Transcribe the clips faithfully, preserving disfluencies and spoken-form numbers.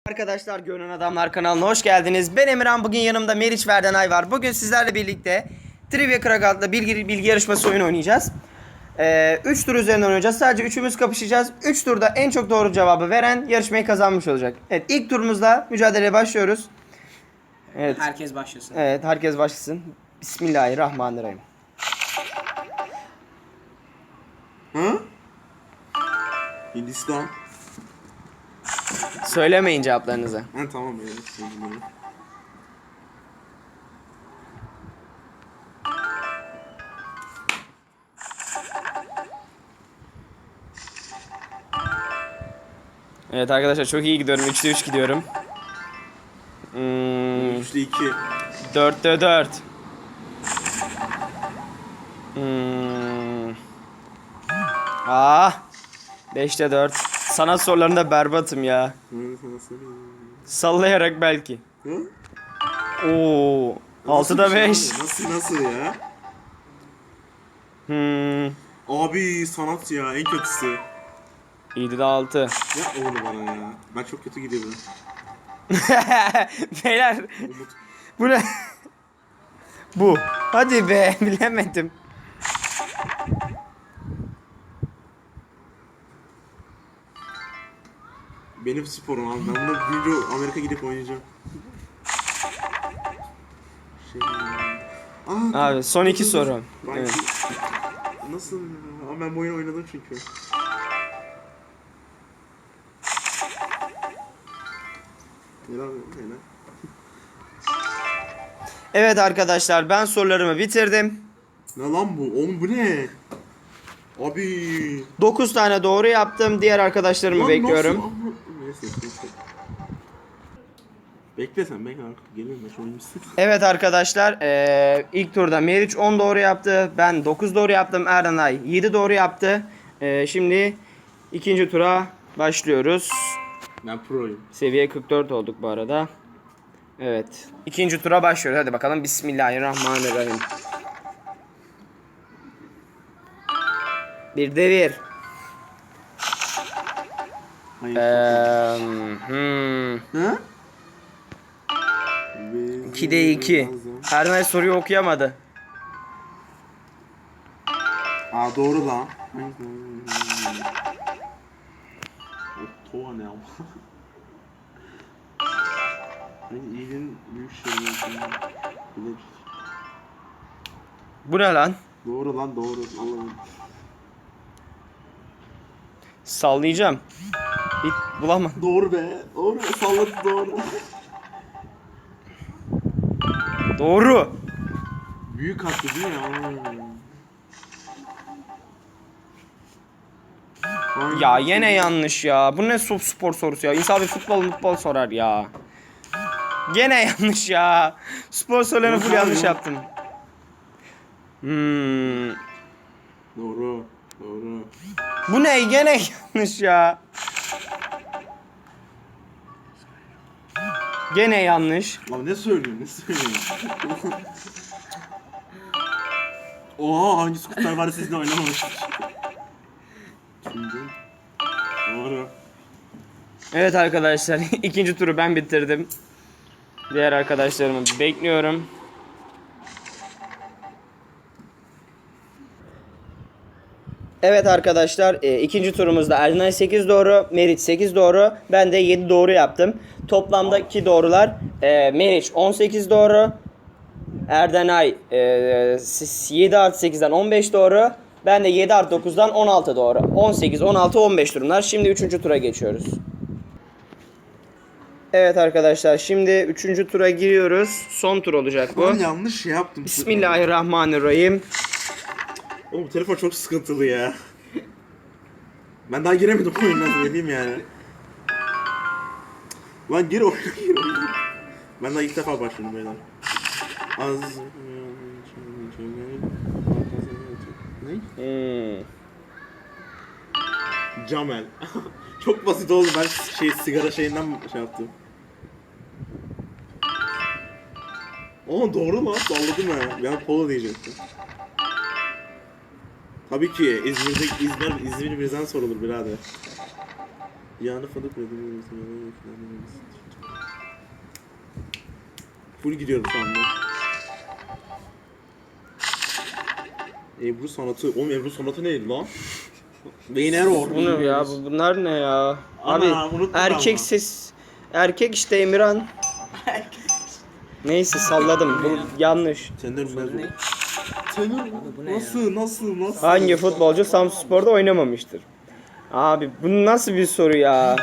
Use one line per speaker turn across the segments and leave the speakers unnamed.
Arkadaşlar, Gönül Adamlar kanalına hoş geldiniz. Ben Emirhan, bugün yanımda Meriç ve Erdenay var. Bugün sizlerle birlikte Trivia Crack adlı bilgi, bilgi yarışması oyunu oynayacağız. Ee, üç tur üzerinden oynayacağız. Sadece üçümüz kapışacağız. üç turda en çok doğru cevabı veren yarışmayı kazanmış olacak. Evet, ilk turumuzda mücadeleye başlıyoruz. Evet.
Herkes başlasın.
Evet, herkes başlasın. Bismillahirrahmanirrahim.
Hı? Hindistan.
Söylemeyin cevaplarınızı.
Ha tamam ya. Söyledim.
Evet arkadaşlar, çok iyi gidiyorum. üçte üç gidiyorum. Hmm,
Üçlü iki.
dörtte dört. Hmm. Ah. beşte dört. Sanat sorularında berbatım ya.
Ben sana söyleyeyim.
Sallayarak belki.
Hı?
Oo. altıda
Nasıl bir şey
beş.
abi? Nasıl nasıl ya?
Hmm.
Abi sanat ya en kötüsü.
yedide altı.
Yapma onu bana ya. Ben çok kötü gidiyorum.
Beyler.
Umut.
Bu ne? Bu. Hadi be, bilemedim.
Benim sporum abi. Ben bunu büyüyünce Amerika gidip oynayacağım. Şey... Aa,
Abi son iki
dur, dur.
soru.
Ben
Evet.
Nasıl ya? Ama ben bu oyunu oynadım çünkü. Helal helal.
Evet arkadaşlar, ben sorularımı bitirdim.
Ne lan bu? Oğlum bu ne? Abi.
dokuz tane doğru yaptım. Diğer arkadaşlarımı
Lan
bekliyorum.
nasıl? Ama- Neyse, neyse. Bekle sen bekle artık geliyorum ben şu oyuncusu.
Evet arkadaşlar, eee, ilk turda Meriç on doğru yaptı. Ben dokuz doğru yaptım. Erdenay yedi doğru yaptı. Eee, şimdi ikinci tura başlıyoruz.
Ben proyum.
Seviye kırk dört olduk bu arada. Evet. İkinci tura başlıyoruz. Hadi bakalım. Bismillahirrahmanirrahim. Bir de bir.
Hayır.
Eee, hmm.
Ha?
ikide iki. Erdenay soruyu okuyamadı.
Aa doğru lan. Tova ne ama? Hani iyiliğin büyük şeyleri.
Bu ne lan?
Doğru lan doğru. Allah'ım.
Sallayacağım. Hiç bulamadım.
Doğru be. Doğru. Salladı doğru.
Doğru.
Büyük haklı değil mi? Aa. Aynen.
Ya yine yanlış ya. Bu ne sop spor sorusu ya. İnsan bir futbol futbol sorar ya. Gene yanlış ya. Spor sorularını full
Yok abi,
yanlış
yok.
yaptım. Hmm.
Doğru. Doğru.
Bu ne? Gene yanlış ya. Gene yanlış.
Abi ne söylüyorsun? Ne söylüyorsun? Oha hangi skuter var sizinle oynamamıştık. Şimdi. Doğru.
Evet arkadaşlar, ikinci turu ben bitirdim. Diğer arkadaşlarımı bekliyorum. Evet arkadaşlar, e, ikinci turumuzda Erdenay sekiz doğru, Meriç sekiz doğru, ben de yedi doğru yaptım. Toplamdaki doğrular e, Meriç on sekiz doğru, Erdenay e, yedi artı sekizden on beş doğru, ben de yedi artı dokuzdan on altı doğru. on sekiz, on altı, on beş durumlar. Şimdi üçüncü tura geçiyoruz. Evet arkadaşlar, şimdi üçüncü tura giriyoruz. Son tur olacak bu.
Ben yanlış şey yaptım.
Bismillahirrahmanirrahim.
Oğlum bu telefon çok sıkıntılı ya. Ben daha giremedim oyuna söyleyeyim yani. Lan gir oyuna gir oyuna. Ben daha ilk defa başladım beyler. Az... Ne?
Hmm.
Camel. Çok basit oldu ben şey sigara şeyinden şey yaptım. Aa doğru lan salladım ha. Ben polo diyecektim. Tabii ki İzmir'de İzmir İzmir bizden sorulur birader. Yağını fındık koydum. Full gidiyorum şu anda. Ebru sanatı. Oğlum Ebru sanatı neydi lan? Beyin error.
Bu ne ya? Bu- Bunlar ne ya?
Ana,
Abi
unuttum
erkek
ama.
ses. Erkek işte Emirhan. Neyse salladım. Bu yanlış.
Senden bilmez
Ne?
bu. Tenör
bu ne ya?
nasıl nasıl nasıl?
Hangi futbolcu Samsunspor'da oynamamıştır? Abi bu nasıl bir soru ya?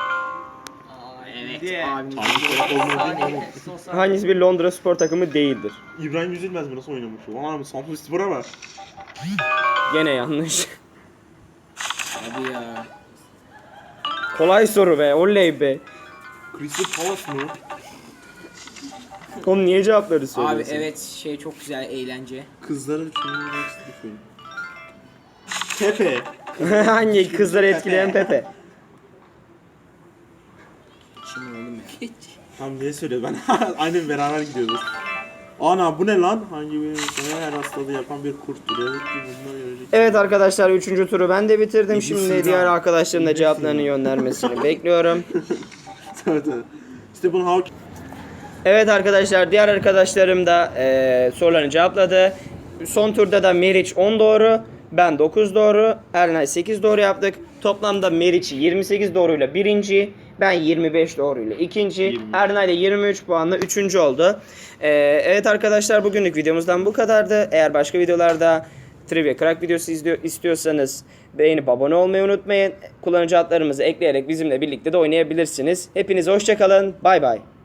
Evet abimiz.
Hangi taraf olmadı değil mi oğlum?
Hangisi bir Londra spor takımı değildir?
İbrahim Yüzülmez mi nasıl oynamış o? Ana Samsun Spor'a bak.
Gene yanlış.
Hadi ya.
Kolay soru be. Oley be.
Crystal Palace mı?
Oğlum niye cevapları
Abi
söylüyorsun?
evet şey çok güzel eğlence.
Kızları düşünüyorum. Pepe.
Hangi kızları etkileyen Pepe?
Şimdi oğlum ya.
Tam niye söylüyor ben? Aynen beraber gidiyoruz. Ana bu ne lan? Hangi bir insana her hastalığı yapan bir kurttur. Evet ki bunlar görecek.
Evet arkadaşlar üçüncü turu ben de bitirdim.
İyisin
Şimdi
ya.
diğer arkadaşlarım da
İyisin
cevaplarını
ya.
göndermesini bekliyorum.
Evet evet. Stephen Hawking.
Evet arkadaşlar diğer arkadaşlarım da eee sorularını cevapladı. Son turda da Meriç on doğru, ben dokuz doğru, Ernay sekiz doğru yaptık. Toplamda Meriç yirmi sekiz doğruyla birinci, ben yirmi beş doğruyla ikinci,
yirmi.
Ernay da yirmi üç puanla üçüncü oldu. Eee, evet arkadaşlar bugünlük videomuzdan bu kadardı. Eğer başka videolarda Trivia Crack videosu izliyor, istiyorsanız beğenip abone olmayı unutmayın. Kullanıcı adlarımızı ekleyerek bizimle birlikte de oynayabilirsiniz. Hepinize hoşça kalın. Bay bay.